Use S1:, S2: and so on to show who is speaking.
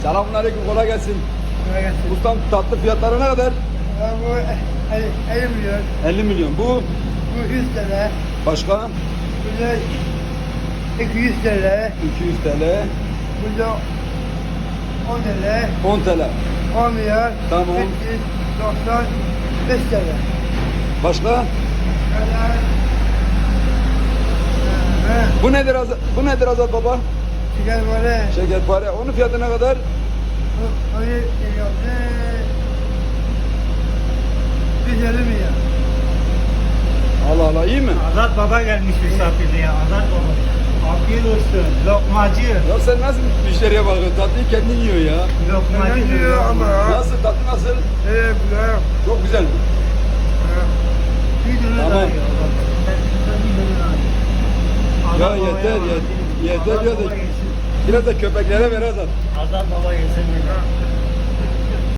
S1: Selamünaleyküm, kolay gelsin.
S2: Kolay gelsin.
S1: Ustam, tatlı fiyatları ne kadar?
S2: Bu 50 milyon.
S1: 50 milyon. Bu
S2: Bu 100 TL.
S1: başka?
S2: Bu da 200 TL.
S1: 200 TL.
S2: Bu da 10 TL.
S1: 10 TL.
S2: 10 milyar.
S1: Tamam.
S2: 395 TL.
S1: Başka?
S2: Evet.
S1: Bu nedir Azat baba?
S2: Çıkar böyle.
S1: Şekerpare. Onun fiyatı ne kadar?
S2: Onu geliyor. 150 milyar.
S1: Allah Allah, iyi mi?
S3: Azat Baba gelmiş misafirliğe. Azat Baba. Afiyet olsun. Lokmacı.
S1: Ya sen nasıl müşteriye bakıyorsun? Tatlıyı kendin yiyor ya.
S3: Lokmacı.
S2: Neden diyor ama?
S1: Nasıl? Tatlı nasıl?
S2: Evet, güzel.
S1: Çok güzel mi?
S3: Bir dönem
S1: Tamam.
S3: daha yiyor. Bir dönem daha yiyor.
S1: Ya
S3: Azat Baba'ya
S1: yeter,
S3: bak.
S1: yeter ya
S3: Azat
S1: da
S3: Baba yesin.
S1: biraz da köpeklere ver Azat.
S3: Azat Baba yesin.